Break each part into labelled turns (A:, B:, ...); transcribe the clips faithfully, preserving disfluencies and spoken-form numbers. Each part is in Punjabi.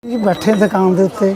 A: जी बैठे दुकान के उत्ते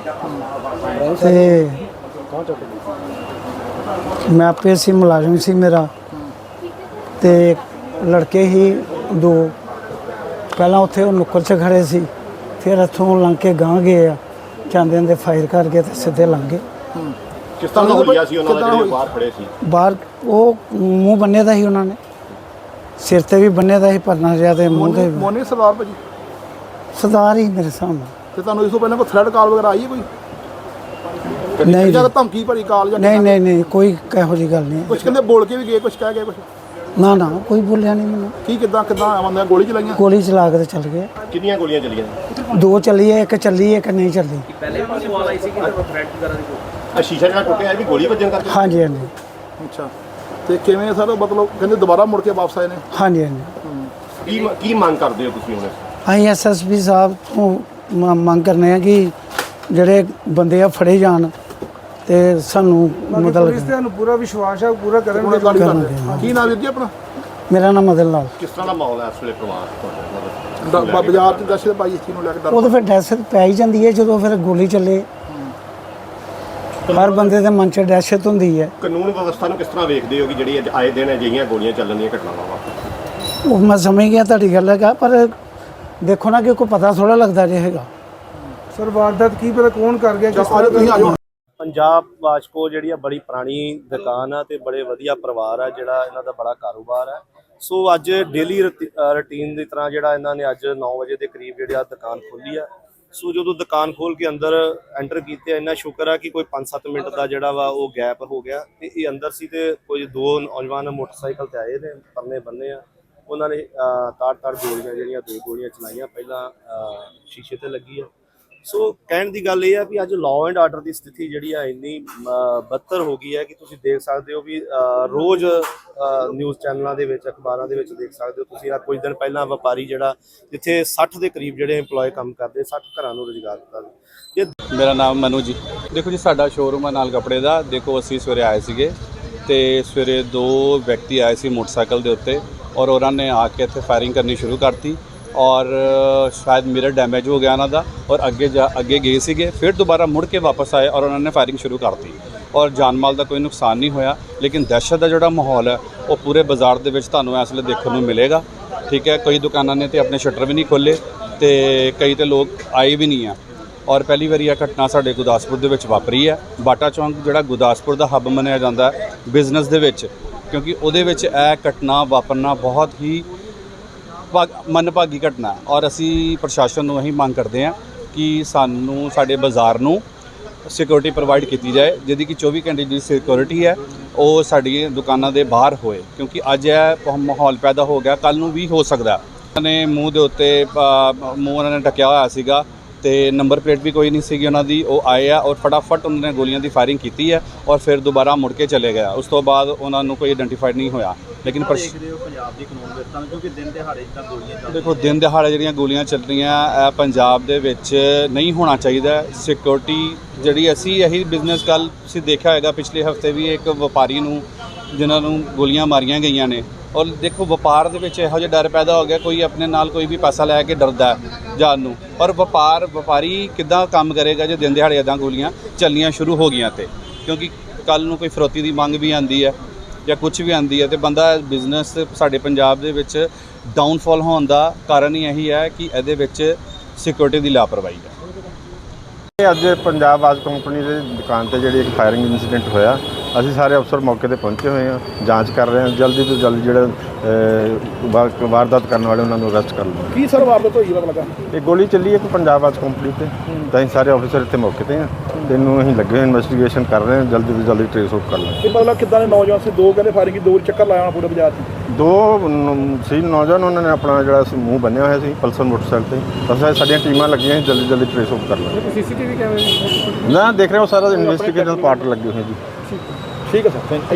A: मैं आपे सी मुलाजम सी मेरा ते लड़के ही दो पहला उत्थे नुक्कर च खड़े सी फिर इत्थों लंघ के गांह गए आ चांदे दे फायर करके ते सीधे लंघ गए।
B: किस तरह होइया सी उन्हां दा ਜਿਹੜੇ ਬਾਹਰ ਖੜੇ ਸੀ
A: बाहर वो मूँह बन्ने दा ही उन्होंने सिर ते भी बन्ने दा ही परना जिहा ते मूँह ते
C: ਮੋਨੀ ਸਰਦਾਰ ਭਾਜੀ
A: सरदार ही मेरे सामने।
C: ਤੇ ਤੁਹਾਨੂੰ ਇਸ ਤੋਂ ਪਹਿਲਾਂ ਕੋਈ ਥ੍ਰੈਡ ਕਾਲ ਵਗੈਰਾ ਆਈ ਹੈ ਕੋਈ
A: नहीं
C: ਜਾਂ
A: जी,
C: ਧਮਕੀ ਭਰੀ ਕਾਲ ਜਾਂ
A: नहीं नहीं नहीं कोई कहो जी गल नहीं।
C: ਕੁਝ ਕਹਿੰਦੇ ਬੋਲ ਕੇ ਵੀ ਗਏ ਕੁਝ ਕਹਿ ਗਏ ਕੁਝ
A: ना ना कोई बोलिया नहीं मैंने।
C: ਕੀ ਕਿਦਾਂ ਕਿਦਾਂ ਆਉਂਦੇ ਗੋਲੀ ਚਲਾਈਆਂ
A: गोली चला के ते चल गए।
B: ਕਿੰਨੀਆਂ ਗੋਲੀਆਂ ਚੱਲੀਆਂ
A: दो चली है एक चली है एक नहीं चली।
D: ਪਹਿਲੇ ਵੀ ਸਵਾਲ ਆਈ ਸੀ ਕਿ ਥ੍ਰੈਟ ਵਗੈਰਾ ਦੀ ਕੋਈ
B: ਆ ਸ਼ੀਸ਼ਾ ਜਿਹੜਾ ਟੁੱਟਿਆ ਇਹ ਵੀ ਗੋਲੀ ਵੱਜਣ ਕਰਕੇ
A: हाँ जी हाँ जी
C: ਅੱਛਾ ਤੇ ਕਿਵੇਂ ਸਰ ਮਤਲਬ ਕਹਿੰਦੇ ਦੁਬਾਰਾ ਮੁੜ ਕੇ ਵਾਪਸ ਆਏ ਨੇ
A: हाँ जी हाँ जी।
B: ਕੀ ਕੀ ਮੰਗ ਕਰਦੇ ਹੋ ਤੁਸੀਂ ਹੁਣ
A: ਅਸੀਂ ਐਸ ਐਸ ਪੀ ਸਾਹਿਬ ਤੋਂ ਮ- ਮੰਗ ਕਰਨੇ ਆ ਕਿ ਜਿਹੜੇ ਬੰਦੇ ਆ ਫੜੇ ਜਾਣ ਤੇ ਸਾਨੂੰ ਮਤਲਬ
E: ਤੁਹਾਨੂੰ ਪੂਰਾ ਵਿਸ਼ਵਾਸ ਹੈ ਪੂਰਾ
C: ਹੁਣ
E: ਕਰਨਗੇ।
C: ਗਾੜੀ
A: ਕਰਨਗੇ,
C: ਕਰਦੇ
A: ਹਾਂ।
C: ਕੀ ਨਾਮ ਵੀਰ ਜੀ ਆਪਣਾ
A: ਮੇਰਾ ਨਾਮ ਮਦਨ ਲਾਲ।
B: ਕਿਸ ਤਰ੍ਹਾਂ ਦਾ ਮਾਹੌਲ ਹੈ ਇਸ ਵੇਲੇ ਪਰਿਵਾਰ ਤੁਹਾਡਾ
C: ਡ- ਬ- ਬਾਜ਼ਾਰ ਚ ਦਹਿਸ਼ਤ ਪਾਈ ਇਸ ਚੀਜ਼ ਨੂੰ ਲੈ ਕੇ ਡਰ
A: ਉਹ ਤਾਂ ਫਿਰ ਦਹਿਸ਼ਤ ਪੈ ਹੀ ਜਾਂਦੀ ਹੈ ਜਦੋਂ ਫਿਰ ਗੋਲੀ ਚੱਲੇ। ਹਰ ਬੰਦੇ ਦੇ ਮਨ 'ਚ ਦਹਿਸ਼ਤ ਹੁੰਦੀ ਹੈ।
B: ਕਾਨੂੰਨ ਵਿਵਸਥਾ ਨੂੰ ਕਿਸ ਤਰ੍ਹਾਂ ਵੇਖਦੇ ਹੋ ਕਿ ਜਿਹੜੀ ਅੱਜ ਆਏ ਦਿਨ ਅਜਿਹੀਆਂ ਗੋਲੀਆਂ ਚੱਲਣ ਦੀਆਂ ਘਟਨਾਵਾਂ ਵਾ
A: ਉਹ ਮੈਂ ਸਮਝ ਗਿਆ ਤੁਹਾਡੀ ਗੱਲ ਹੈਗਾ ਪਰ ਦੇਖੋ ਨਾ ਕਿ ਕੋਈ ਪਤਾ ਥੋੜਾ ਲੱਗਦਾ ਜੇ ਹੈਗਾ।
E: ਸਰ ਵਾਰਦਾਤ ਕੀ ਪਤਾ ਕੌਣ ਕਰ ਗਿਆ ਕਿਸ
C: ਅੱਜ ਤੁਸੀਂ
E: ਤਰ੍ਹਾਂ
C: ਆ ਜਾਓ
F: ਪੰਜਾਬ ਵਾਸ਼ਕੋ ਜਿਹੜੀ ਆ ਬੜੀ ਪੁਰਾਣੀ ਦੁਕਾਨ ਆ ਤੇ ਬੜੇ ਵਧੀਆ ਪਰਿਵਾਰ ਆ ਜਿਹੜਾ ਇਹਨਾਂ ਦਾ ਬੜਾ ਕਾਰੋਬਾਰ ਹੈ। ਸੋ ਅੱਜ ਡੇਲੀ ਰੁਟੀਨ ਦੀ ਤਰ੍ਹਾਂ ਜਿਹੜਾ ਇਹਨਾਂ ਨੇ ਅੱਜ ਨੌ ਵਜੇ ਦੇ ਕਰੀਬ ਜਿਹੜੀ ਆ ਦੁਕਾਨ ਖੋਲੀ ਆ। ਸੋ ਜਦੋਂ ਦੁਕਾਨ ਖੋਲ ਕੇ ਅੰਦਰ ਐਂਟਰ ਕੀਤੇ ਇੰਨਾ ਸ਼ੁਕਰ ਆ ਕਿ ਕੋਈ ਪੰਜ ਸੱਤ ਮਿੰਟ ਦਾ ਜਿਹੜਾ ਵਾ ਉਹ ਗੈਪ ਹੋ ਗਿਆ ਤੇ ਇਹ ਅੰਦਰ ਸੀ ਤੇ ਕੋਈ ਦੋ ਨੌਜਵਾਨ ਮੋਟਰਸਾਈਕਲ ਤੇ ਆਏ ਨੇ ਪਰਨੇ ਬੰਨੇ ਆ ਉਹਨਾਂ ਨੇ ਤਾੜ ਤਾੜ ਗੋਲੀਆਂ ਜਿਹੜੀਆਂ ਦੋ ਗੋਲੀਆਂ ਚਲਾਈਆਂ ਪਹਿਲਾਂ ਸ਼ੀਸ਼ੇ ਤੇ ਲੱਗੀ ਆ। ਸੋ ਕਹਿਣ ਦੀ ਗੱਲ ਇਹ ਆ ਵੀ ਅੱਜ ਲਾਅ ਐਂਡ ਆਰਡਰ ਦੀ ਸਥਿਤੀ ਜਿਹੜੀ ਆ ਇੰਨੀ ਬੱਤਰ ਹੋ ਗਈ ਹੈ ਕਿ ਤੁਸੀਂ ਦੇਖ ਸਕਦੇ ਹੋ ਵੀ ਰੋਜ਼ ਨਿਊਜ਼ ਚੈਨਲਾਂ ਦੇ ਵਿੱਚ ਅਖਬਾਰਾਂ ਦੇ ਵਿੱਚ ਦੇਖ ਸਕਦੇ ਹੋ ਤੁਸੀਂ। ਆ ਕੁਝ ਦਿਨ ਪਹਿਲਾਂ ਵਪਾਰੀ ਜਿਹੜਾ ਜਿੱਥੇ ਸੱਠ ਦੇ ਕਰੀਬ ਜਿਹੜੇ EMPLOYE ਕੰਮ ਕਰਦੇ ਸੱਠ ਘਰਾਂ ਨੂੰ ਰੁਜ਼ਗਾਰ ਦਿੱਤਾ। ਇਹ
G: ਮੇਰਾ ਨਾਮ ਮਨੂ ਜੀ। ਦੇਖੋ ਜੀ ਸਾਡਾ ਸ਼ੋਰੂਮ ਹੈ ਨਾਲ ਕੱਪੜੇ ਦਾ। ਦੇਖੋ ਅਸੀਂ ਸਵੇਰੇ ਆਏ ਸੀਗੇ ਤੇ ਸਵੇਰੇ ਦੋ ਵਿਅਕਤੀ ਆਏ ਸੀ ਮੋਟਰਸਾਈਕਲ ਦੇ ਉੱਤੇ ਔਰ ਉਹਨਾਂ ਨੇ ਆ ਕੇ ਇੱਥੇ ਫਾਇਰਿੰਗ ਕਰਨੀ ਸ਼ੁਰੂ ਕਰਤੀ ਔਰ ਸ਼ਾਇਦ ਮਿਰਰ ਡੈਮੇਜ ਹੋ ਗਿਆ ਉਹਨਾਂ ਦਾ ਔਰ ਅੱਗੇ ਜਾ ਅੱਗੇ ਗਏ ਸੀਗੇ ਫਿਰ ਦੁਬਾਰਾ ਮੁੜ ਕੇ ਵਾਪਸ ਆਏ ਔਰ ਉਹਨਾਂ ਨੇ ਫਾਇਰਿੰਗ ਸ਼ੁਰੂ ਕਰਤੀ ਔਰ ਜਾਨ ਮਾਲ ਦਾ ਕੋਈ ਨੁਕਸਾਨ ਨਹੀਂ ਹੋਇਆ। ਲੇਕਿਨ ਦਹਿਸ਼ਤ ਦਾ ਜਿਹੜਾ ਮਾਹੌਲ ਹੈ ਉਹ ਪੂਰੇ ਬਾਜ਼ਾਰ ਦੇ ਵਿੱਚ ਤੁਹਾਨੂੰ ਇਸ ਵੇਲੇ ਦੇਖਣ ਨੂੰ ਮਿਲੇਗਾ। ਠੀਕ ਹੈ, ਕਈ ਦੁਕਾਨਾਂ ਨੇ ਤੇ ਆਪਣੇ ਸ਼ਟਰ ਵੀ ਨਹੀਂ ਖੋਲ੍ਹੇ ਤੇ ਕਈ ਤੇ ਲੋਕ ਆਏ ਵੀ ਨਹੀਂ ਆ ਔਰ ਪਹਿਲੀ ਵਾਰੀ ਇਹ ਘਟਨਾ ਸਾਡੇ ਗੁਰਦਾਸਪੁਰ ਦੇ ਵਿੱਚ ਵਾਪਰੀ ਹੈ। ਬਾਟਾ ਚੌਂਕ ਜਿਹੜਾ ਗੁਰਦਾਸਪੁਰ ਦਾ ਹੱਬ ਮੰਨਿਆ ਜਾਂਦਾ ਹੈ ਬਿਜ਼ਨਸ ਦੇ ਵਿੱਚ, ਕਿਉਂਕਿ ਉਹਦੇ ਵਿੱਚ ਇਹ ਘਟਨਾ ਵਾਪਰਨਾ ਬਹੁਤ ਹੀ ਮੰਦਭਾਗੀ ਘਟਨਾ ਔਰ ਅਸੀਂ ਪ੍ਰਸ਼ਾਸਨ ਨੂੰ ਇਹੀ ਮੰਗ ਕਰਦੇ ਹਾਂ ਕਿ ਸਾਨੂੰ ਸਾਡੇ ਬਾਜ਼ਾਰ ਨੂੰ ਸਿਕਿਉਰਿਟੀ ਪ੍ਰੋਵਾਈਡ ਕੀਤੀ ਜਾਏ ਜਿਹਦੀ ਕਿ ਚੌਵੀ ਘੰਟੇ ਦੀ ਸਿਕਿਉਰਿਟੀ ਹੈ ਉਹ ਸਾਡੀਆਂ ਦੁਕਾਨਾਂ ਦੇ ਬਾਹਰ ਹੋਏ, ਕਿਉਂਕਿ ਅੱਜ ਇਹ ਮਾਹੌਲ ਪੈਦਾ ਹੋ ਗਿਆ ਕੱਲ੍ਹ ਨੂੰ ਵੀ ਹੋ ਸਕਦਾ। ਉਹਨਾਂ ਨੇ ਮੂੰਹ ਦੇ ਉੱਤੇ ਮੂੰਹ ਉਹਨਾਂ ਨੇ ਢੱਕਿਆ ਹੋਇਆ ਸੀਗਾ ਤੇ ਨੰਬਰ ਪਲੇਟ ਵੀ ਕੋਈ ਨਹੀਂ ਸੀਗੀ ਉਹਨਾਂ ਦੀ। ਉਹ ਆਏ ਆ ਔਰ ਫਟਾਫਟ ਉਹਨਾਂ ਨੇ ਗੋਲੀਆਂ ਦੀ ਫਾਇਰਿੰਗ ਕੀਤੀ ਹੈ ਔਰ ਫਿਰ ਦੁਬਾਰਾ ਮੁੜ ਕੇ ਚਲੇ ਗਿਆ। ਉਸ ਤੋਂ ਬਾਅਦ ਉਹਨਾਂ ਨੂੰ ਕੋਈ ਆਇਡੈਂਟੀਫਾਈਡ ਨਹੀਂ ਹੋਇਆ। ਲੇਕਿਨ
D: ਦੇਖਦੇ ਹੋ ਪੰਜਾਬ ਦੀ ਕਾਨੂੰਨ ਵਿਵਸਥਾ ਨੂੰ ਕਿਉਂਕਿ ਦਿਨ ਦਿਹਾੜੇ ਜਿੱਦਾਂ ਗੋਲੀਆਂ ਚੱਲ
G: ਦੇਖੋ ਦਿਨ ਦਿਹਾੜੇ ਜਿਹੜੀਆਂ ਗੋਲੀਆਂ ਚੱਲ ਰਹੀਆਂ ਇਹ ਪੰਜਾਬ ਦੇ ਵਿੱਚ ਨਹੀਂ ਹੋਣਾ ਚਾਹੀਦਾ। ਸਿਕਿਉਰਿਟੀ ਜਿਹੜੀ ਅਸੀਂ ਇਹੀ ਬਿਜ਼ਨਸ ਕੱਲ ਤੁਸੀਂ ਦੇਖਿਆ ਹੋਏਗਾ ਪਿਛਲੇ ਹਫਤੇ ਵੀ ਇੱਕ ਵਪਾਰੀ ਨੂੰ ਜਿਨ੍ਹਾਂ ਨੂੰ ਗੋਲੀਆਂ ਮਾਰੀਆਂ ਗਈਆਂ ਨੇ ਔਰ ਦੇਖੋ ਵਪਾਰ ਦੇ ਵਿੱਚ ਇਹੋ ਜਿਹਾ ਡਰ ਪੈਦਾ ਹੋ ਗਿਆ ਕੋਈ ਆਪਣੇ ਨਾਲ ਕੋਈ ਵੀ ਪੈਸਾ ਲੈ ਕੇ ਡਰਦਾ ਜਾਣ ਨੂੰ। ਪਰ ਵਪਾਰ ਵਪਾਰੀ ਕਿੱਦਾਂ ਕੰਮ ਕਰੇਗਾ ਜੇ ਦਿਨ ਦਿਹਾੜੇ ਇੱਦਾਂ ਗੋਲੀਆਂ ਚੱਲਣੀਆਂ ਸ਼ੁਰੂ ਹੋ ਗਈਆਂ ਤੇ ਕਿਉਂਕਿ ਕੱਲ੍ਹ ਨੂੰ ਕੋਈ ਫਰੋਤੀ ਦੀ ਮੰਗ ਵੀ ਆਉਂਦੀ ਹੈ ਜਾਂ ਕੁਝ ਵੀ ਆਉਂਦੀ ਹੈ ਤੇ ਬੰਦਾ ਬਿਜ਼ਨਸ ਸਾਡੇ ਪੰਜਾਬ ਦੇ ਵਿੱਚ ਡਾਊਨਫਾਲ ਹੋਣ ਦਾ ਕਾਰਨ ਹੀ ਇਹੀ ਹੈ ਕਿ ਇਹਦੇ ਵਿੱਚ ਸਿਕਿਉਰਿਟੀ ਦੀ ਲਾਪਰਵਾਹੀ ਹੈ।
H: ਅੱਜ ਪੰਜਾਬ ਵਾਸ਼ ਕੰਪਨੀ ਦੇ ਦੁਕਾਨ ਤੇ ਜਿਹੜੀ ਇੱਕ ਫਾਇਰਿੰਗ ਇਨਸੀਡੈਂਟ ਹੋਇਆ, ਅਸੀਂ ਸਾਰੇ ਅਫਸਰ ਮੌਕੇ ਤੇ ਪਹੁੰਚੇ ਹੋਏ ਹਾਂ, ਜਾਂਚ ਕਰ ਰਹੇ ਹਾਂ। ਜਲਦੀ ਤੋਂ ਜਲਦੀ ਜਿਹੜੇ ਵਾਰਦਾਤ ਕਰਨ ਵਾਲੇ ਉਹਨਾਂ ਨੂੰ ਅਰੈਸਟ ਕਰ ਲਓ।
C: ਕੀ ਸਰ ਵਾਰਦਾਤ ਹੋਈ ਪਤਾ ਲੱਗਾ
H: ਇਹ ਗੋਲੀ ਚੱਲੀ ਇੱਕ ਪੰਜਾਬ ਵਾਸ਼ ਕੰਪਨੀ ਤੇ ਤਾਂ ਅਸੀਂ ਸਾਰੇ ਅਫਸਰ ਇੱਥੇ ਮੌਕੇ ਤੇ ਹਾਂ ਤੇ ਇਹਨੂੰ ਅਸੀਂ ਲੱਗੇ ਹੋਏ ਇਨਵੈਸਟੀਗੇਸ਼ਨ ਕਰ ਰਹੇ ਹਾਂ। ਜਲਦੀ ਤੋਂ ਜਲਦੀ ਟ੍ਰੇਸ ਆਊਟ ਕਰ ਲਾਂਗੇ।
C: ਇਹ ਮਤਲਬ ਕਿੱਦਾਂ ਦੇ ਨੌਜਵਾਨ ਸੀ ਦੋ ਕਹਿੰਦੇ ਫਾਇਰਿੰਗ ਦੋ ਚੱਕਰ ਲਾਇਆ ਹੋਣਾ ਪੂਰੇ ਬਾਜ਼ਾਰ 'ਚ
H: ਦੋ ਸੀ ਨੌਜਵਾਨ ਉਹਨਾਂ ਨੇ ਆਪਣਾ ਜਿਹੜਾ ਸੀ ਮੂੰਹ ਬੰਨਿਆ ਹੋਇਆ ਸੀ ਪਲਸਰ ਮੋਟਰਸਾਈਕਲ ਤੇ। ਅਸੀਂ ਸਾਡੀਆਂ ਟੀਮਾਂ ਲੱਗੀਆਂ ਜਲਦੀ ਜਲਦੀ ਟ੍ਰੇਸ ਆਊਟ ਕਰ ਲਾਂਗੇ।
E: ਸੀਸੀਟੀਵੀ ਕੈਮਰੇ
H: ਨਾ ਦੇਖ ਰਹੇ ਹੋ ਸਾਰਾ ਇਨਵੈਸਟੀਗੇਸ਼ਨ ਪਾਰਟ ਲੱਗੇ ਹੋਏ ਜੀ।
C: ਠੀਕ ਹੈ ਸਰ ਥੈਂਕ ਯੂ।